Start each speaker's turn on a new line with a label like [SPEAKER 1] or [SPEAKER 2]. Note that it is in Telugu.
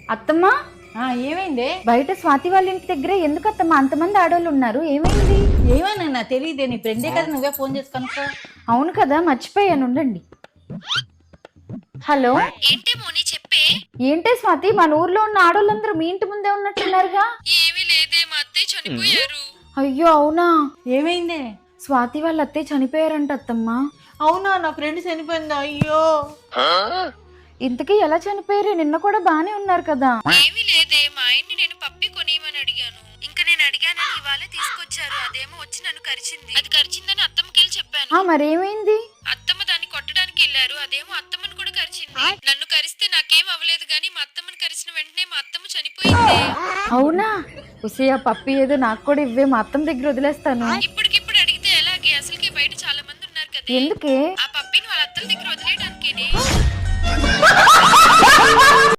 [SPEAKER 1] అత్తమ్మా,
[SPEAKER 2] ఏమైంది?
[SPEAKER 1] బయట స్వాతి వాళ్ళ ఇంటి దగ్గర ఎందుకు అత్తమ్మా అంతమంది ఆడవాళ్ళు ఉన్నారు? ఏమైంది?
[SPEAKER 2] ఏమన్నా తెలియదే, నీ ఫ్రెండే కదా, నువ్వే ఫోన్ చేసి కనుక్కో.
[SPEAKER 1] అవును కదా, మర్చిపోయాను, ఉండండి. హలో,
[SPEAKER 3] ఏంటే మోని చెప్పే.
[SPEAKER 1] ఏంటే స్వాతి, మన ఊర్లో ఉన్న ఆడోళ్ళందరూ మీ ఇంటి ముందే ఉన్నట్టున్నారుగా?
[SPEAKER 3] ఏమీ లేదే, మా అత్తయ్య చనిపోయారు.
[SPEAKER 1] అయ్యో అవునా?
[SPEAKER 2] ఏమైంది?
[SPEAKER 1] స్వాతి వాళ్ళ అత్తయ్య చనిపోయారంట అత్తమ్మా.
[SPEAKER 2] అవునా, నా ఫ్రెండ్ చనిపోయిందా? అయ్యో.
[SPEAKER 1] ఇంతకీ ఎలా చనిపోయారు? నిన్న కూడా బానే ఉన్నారు కదా.
[SPEAKER 3] ఏమీ లేదే, మా ఆయన్ని నేను పప్పి కొనియమని అడిగాను. ఇంకా నేను అడిగానని ఇవాళే తీసుకొచ్చారు. అదేమో వచ్చి నన్ను కరిచింది. అది కరిచిందని అత్తమ్మకెళ్ళి చెప్పాను.
[SPEAKER 1] మరేమైంది?
[SPEAKER 3] అత్తమ్మ దాన్ని కొట్టడానికి వెళ్ళారు. అదేమో అత్తమ్మని కూడా కరిచింది. నన్ను కరిస్తే నాకేం అవ్వలేదు గానీ మా అత్తమ్మని కరిచిన వెంటనే మా అత్తమ్మ చనిపోయింది.
[SPEAKER 1] అవునా? ఉసి, ఆ పప్పి ఏదో నాకు కూడా ఇవ్వే, మా అత్తమ్మ దగ్గర వదిలేస్తాను.
[SPEAKER 3] ఇప్పటికిప్పుడు అడిగితే ఎలాగే? అసలుకే బయట చాలా మంది ఉన్నారు కదా.
[SPEAKER 1] ఎందుకే?
[SPEAKER 3] ఆ పప్పిని వాళ్ళ అత్తల దగ్గర వదిలేయడానికేనే.